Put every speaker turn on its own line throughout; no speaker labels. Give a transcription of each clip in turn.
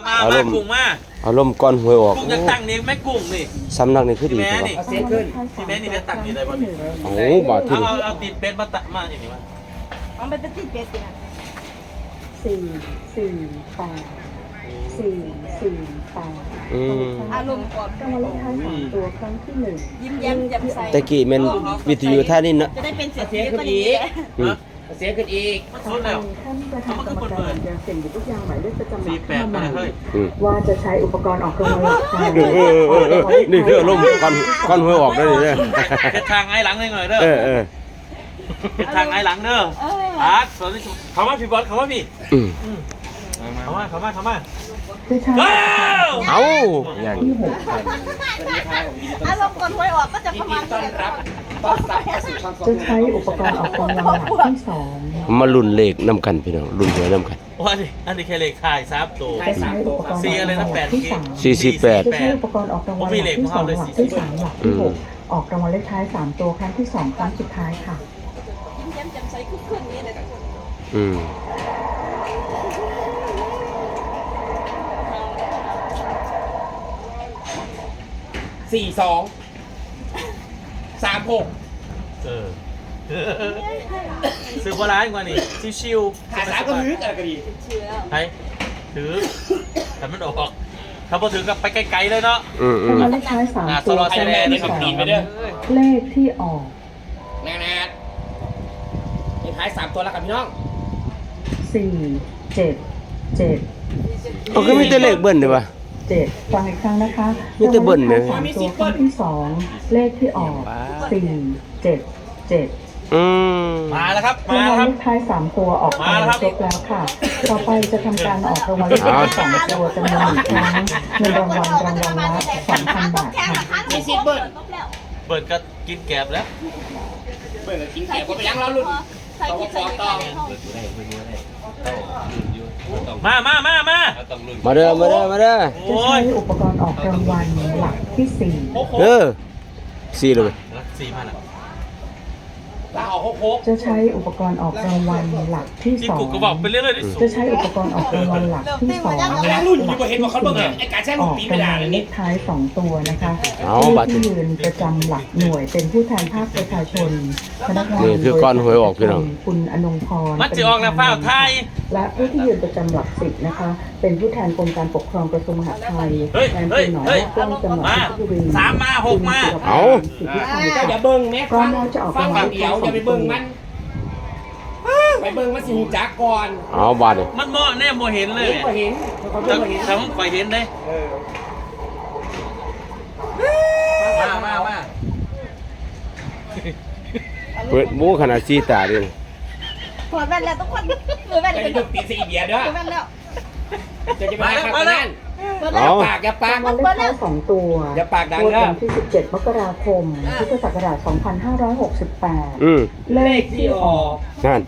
มากุ้งมา
อารมณ์ก้อนหวยออก
กุ้งจะตั้งนี่แม่กุ้งนี่
สำนักนี่คือดี
แม่
ครับ
นี่เสียขึ้นที่แม่นี่ได้ตั้งนี่ได้บ่
โอ้บาทที่
เอาติดเป็ดมาตักมาอย่างนี้มา
เอาไปติดเป็ดเนี่ย
448
อารมณ์ก่อน
รางวัลเลขท้าย3ตัวครั้งที่1
ยิ้มแย้มแจ่มใส
ตะกี้แม่นวิทยุท่านี่เนาะ
จะได้เป็นเศรษฐีก็ดี
เสียขึ้นอีกมันสุดแล้ว
ท่านประธานกรรมการยังเซ็นอยู่ทุกอย่างหมายเลขประจำหลัก
48
เข้า
มา
มา
เฮ้ย
ว่าจะใช้อุปกรณ์ออกรางวัลเลขท้าย
นี่คืออารมณ์ก้อนหวยออกได้เลย
เฮ็ดทางไอ้หลังหน่อยเด้อเฮ็ดทางไอ้หลังเด้ออาร์ตสวัสดีเขามาพี่บอลเขามาพี่เขามา
คือใช้
เอาอย่าง
ที่
อารมณ์ก่อนหวยออกก็จะประมาณนี้
6จะใช้อุปกรณ์ออกรางวัลหลักที่2
มาลุ้นเลขนำกันพี่น้องลุ้นหวยนำกัน
ว่าดิอันนี้แค่เลขท้าย3ตัว
จะใช้อุปกรณ์ออกรางวัลหลักที่3
48
จะใช้อุปกรณ์ออกรางวัลหลักที่2หลักที่3หลักที่6ออกรางวัลเลขท้าย3ตัวครั้งที่2ครั้งสุดท้ายค่ะ
ยิ้มแย้มแจ่มใสคึกคืนนี้เลยทุกคน
ซื้อโบราณกว่านี่ชิวๆ
หาสามก็ลึกอะไรก็ดี
เชื่อ
ไปถือแต่มันออกถ้าพอถือก็ไปไกลๆเลยเนาะ
รางวัลเลขท้าย3ตัวครั้งที่2เลขที่ออก
แน่เลขท้าย3ตัวแล้วครับพี่น้อง
4 7 7
ก็มีแต่เลขเบิ้ลด้วยป่ะ
7ฟังอีกครั้งนะคะ
มีแต่เบิ้ลไหม
3ตัวครั้งที่2เลขที่ออก4 7 7
มาแล้วครับ
รางวัลเลขท้าย3ตัวออกมาครบแล้วค่ะ ต่อไปจะทำการออกรางวัลเลขท้าย2ตัวจำนวน1ครั้งเงินรางวัลละ2,000 บาทค่ะ
มีสิทธิ์เบิร์ด
เปิดก็กินแกบแล้ว
เบิร์ดกินแขกก็ไปยังเราลุ้น
ใส่คิดใส่ต่อ
มา
มาเด้อ
จะใช้อุปกรณ์ออกรางวัลหลักที่
4เลย
4มาแล้ว
ลาออก6
จะใช้อุปกรณ์ออกรางวัลหลักที่
ที่กูก็บอกไปเรื่อยๆที่สุด
จะใช้อุปกรณ์ออกรางวัลหลักที่2
ๆแล้วรุ่นอยู่ก็เห็นว่าเขาเบิ่งไอ้การแช่ง
อ
ลูก
อก
ปี
รา
ไม่
ง
ได้
วัล
เลย
เล
นี่
ขท้าย2ตัวนะคะ
เอา
ผู้
บัตร
ที่ยืนประจำหลักหน่วยเป็นผู้แทนภาคประชาชนพนักงาน
นี่คือก้อนหวยออกพี่น้อง
คุณอนงพร
มันจะออกแล้วเฝ้าไทย
และผู้ที่ยืนประจำหลัก10นะคะ เป็นผู้แทนกรมการปกครองกระทรวงมหาดไทยแทนเป็นหนองกล้องจังหวัดเพชรบุรี
3 มา 6 มา
เอา
เจ้าอย่าเบิ่งแม่
ก็
ฟัง
น่าจะออก
ฟัง
รางวั
ฝั่
ล
ง
เลข
เดียว
ท้าย
อย่าไปเบิ่งมันไปเบิ่งมันสิหูจักก่อน
เอาบาทเลย
มันเหมาะแน่โมเห็นเลย
ก็เห็นเขา
แต่
เบิ่งเห็น
แต่ผมคอยเห็นเลยมา
เปิดบูขนาดซีตาดิ
ถอดแว่นแล้วทุกคนมือแว่น
ไป
เป็น
เบิ่งตีสีเบียร์เด้อ
แว่นแล้ว
จะไปหาข้างนั้น
เปิดแล้ว
ปากอย่าปาก
รางวัลเลขท้าย2ตัว
อย่าปากดัง
งวด
เด้อ
วันที่17 มกราคม พุทธศักราช 2568 เล
เล
ข
ข
ที่
ที่
อ
อ
อ
อก ก
นั่น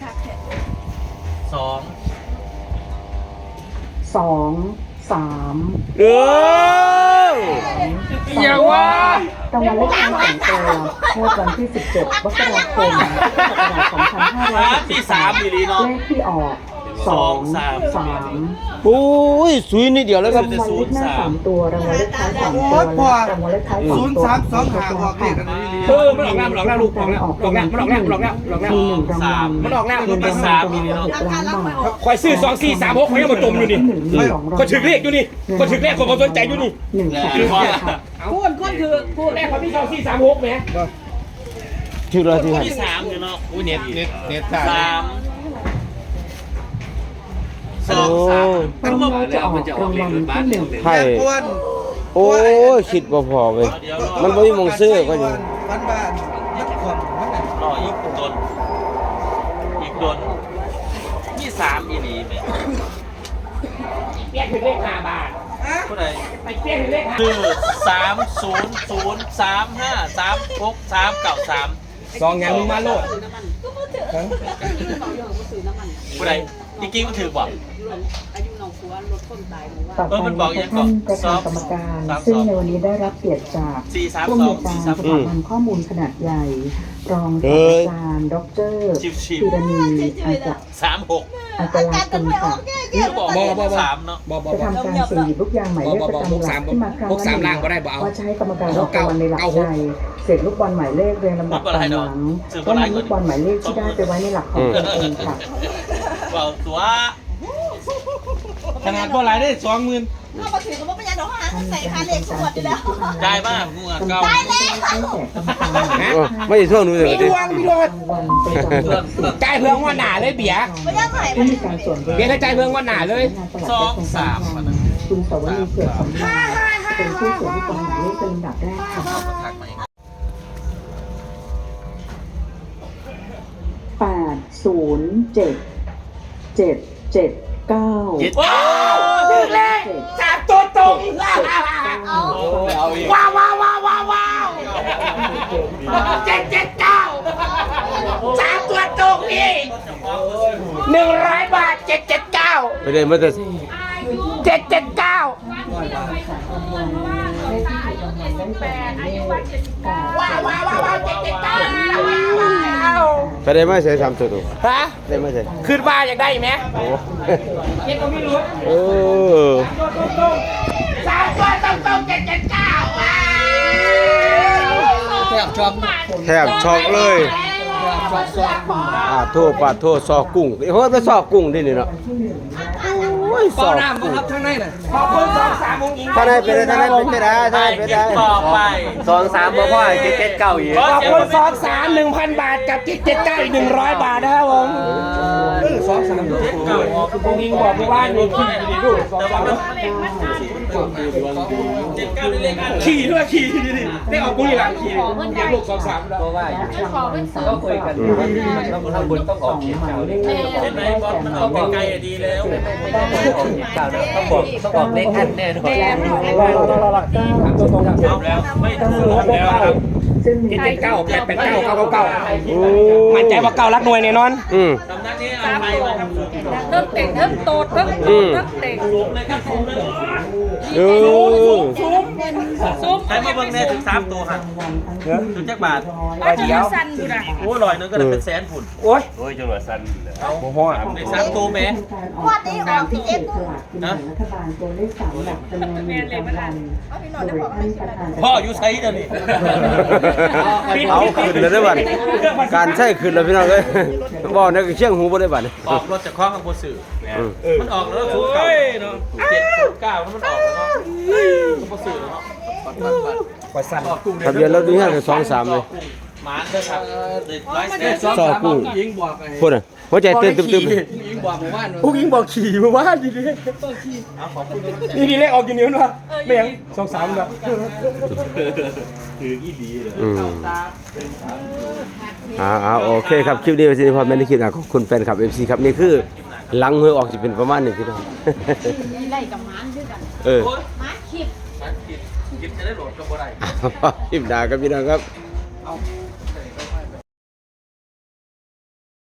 2
2 3
เออ
อย่างว่ารางวัลเลขท้าย2ตัวงวดวันที่17 มกราคม พุทธศักราช
ที่3อีหลีเนาะ
2568เลขที่ออก2 3
โอ้ยสวยนิดเดียวแล้วครับ
รางวัลเลขหน้า3ตัวรางวัลเลขท้าย2ตัวและรางวัลเลขท้าย2ตัว
0 3 2 5ออกเลขกันนี่
มันออกแล้วลูกออกแล้วออกแล้วมันออกแล้ว
มี1รางวัล
มันออกแล้ว
เงินรางวัลจำนวน10 ล้านบาท
คอยซื้อ2 4 3 6เขายังมาจมอยู่นี่
มี2รางวัล
ก็ถึงเลขอยู่นี่ก็ถึงเลขคนสนใจอยู่นี่
1 แสนบาทค่ะ
พูดคือพูด
แรกเขาที่2 4 3 6ไหม
ชื่อเราที่
ที่3อยู่เนาะอุ้ยเน็ต 3 2
รางวัลจะออกรางวัลที่1
ไพ่โอ้ยคิดบ่พอเว้ยมันบ่มีมงซื้อก็อยู่
บ้านนักขวบมันน่ะ
รออีกโดนที่3อีหลีแม่
เปี้ยถึงเลข5 บาท
ผู้ใด
ไปเปี้ยถึงเลข
คือ300353639
2อย่างมึงมาโลด
ผู้ใดจริงๆมันถือบ่
ต่อไปนะคะท่านประธานกรรมการ ซึ่งในวันนี้ได้รับเกียรติจากผู้อำนวยการสถาบันข้อมูลขนาดใหญ่ รองศาสตราจารย์ดรธีรณีอาจารย์คุณค่ะ
3 เนาะ
จะทำการเสี่ยงหยิบลูกยางหมายเลขประจำหลักที่มาครั้งละ1ว่าจะให้กรรมการออกรางวัลในหลักใดเสร็จลูกบอลหมายเลขเรียงลำดับตามหลังว่านำลูกบอลหมายเลขที่ได้ไปไว้ในหลักของตนเองค่ะ
เบาตัว
ขนาดบ่หลายได้20,000
ถ้ามาถึงก็ไม่เป็นยังดอกหางใส่คาเล็กสวดอยู่แล้ว
ได้มากงูเก่า
ได้แล้ว
ไม่ได้ช่วงนู้นเลย
ดวงพี่โรดใจเพื่องว่าหนาเลยเบียร์
ไม่ยังไง
ไม่มีการส่วน
เบียร์ถ้าใจเพื่องว่าหนาเลย
คุณสวรีเกิดสำราญเป็นผู้เสียลูกบอลหมายเลขเป็นลำดับแรกค่ะ807 779
ถึงเลย3ตัวตรงว้าวว้าวว้าวว้าวว้าว779 3ตัวตรงนี่100 บาท 779
ไม่ได้มาแต่
779ว้าวว้าวว้าว779
ไปได้มาใช้3ตัว
ฮะ
ได้มาใช้
ขึ้นบ้านอยากได้ไหม
โอ้
เย็นก็ไม่รู้
เออ
3ตัวตรง779ว้าว
แทบช็อก
แทบช็อกเลยปาดโทษซอกกุ้งเฮ้ยไปซอกกุ้งดินี่เนาะโอ้ยซ
เป่า
อก
น้ำบ่
กุ้ง
ครับข้างในน่ะ
ขอบคุณ2-3วงหญิง
ถ้าได้เป็นได้ถ้าได้เป็นได้ถ้าได้เป็นได้
ต่อไป
2-3บ่พอ779อีก
ขอบคุณ2-3 1,000 บาทกับที่779อีก100 บาทนะครับผม
2-3
วงหญิงบอกว่านี่ขี่ดีดู
79ได้เลขอัน
ขี่ด้วยขี่ดีดิได้ออกบุรีรัมย์ขี่เดี๋ยวลูก2-3แล้ว
ก็คุยกันข้างบนต้องออกเขียนข่าวด้วย
เห็นไหมบอลมันออกไกลๆดีแล้ว
ต้องบอกเลขอันแน่นอน
ตัวตรงครับ
เอาแล้วไม่ถูกแล้วครับ
ซึ่ง
779 889 999มั่นใจว่า9รักหน่วยแน่นอน
สำนักนี้เอาไปมาครับ
เริ่มเต่งเริ่มโตดเริ่มโตดเริ่มเต่ง
สูงเลยครับสูงเลย
ซุ้ม
ใครมาเบิ่งแน่ถึง3ตัวครับถึงจักบาท
ว่าจะสั้นกูนะ
โอ้ย100นึงก็ได้เป็นแสนฝุ่น
โอ้ย
โอ้ยจังหวะสั้นโอ้โหได้3ตัวแม่
วันนี้ออกที่เอ็ด
สลากกินแบ่งรัฐบาลตัวเลข3หลักจำนวน1รางวัล
เอาพี่หน่
โด
อย
ยท่านประธาน
พ่ออยู่ไสเดี๋ยวนี้
เอาขึ้นแล้วได้บัดการใช้ขึ้นแล้วพี่น้องเอ้ยบ่ในเชียงหูบ่ได้บัด
ออกรถจากข้อข้างบนสื่อมันออกแล้วศูนย์เก่าเนาะ709มันออกแล้วเนาะบนสื่อเนาะ
ทะเบียนรถนี่ฮะ2-3เลย
หมาเด้อครับเด็กไลฟ์สไตล์
ซอกกุ้ง
ยิงบอกไอ้
พุ่นน่ะหัวใจเต้นตึม
ยิงบอกหมู่บ้าน
ผู้หญิงบอกขี่มาว่าดีๆนี่ดีเลขออกกี่นิ้ววะไม่ยัง2-3แล้ว
โอเคครับคลิปนี้เป็นสิ่งที่พอแม่ได้คิดขอบคุณแฟนคลับ FC ครับนี่คือหลังหวยออกสิเป็นประมาณนี้พี่น้อง
ไล่กับมันด้วยกัน
เออ
มาคิด
คลิปจะได้โหลดก็บ่ได้
คลิปด่าครับพี่น้องครับ
เอา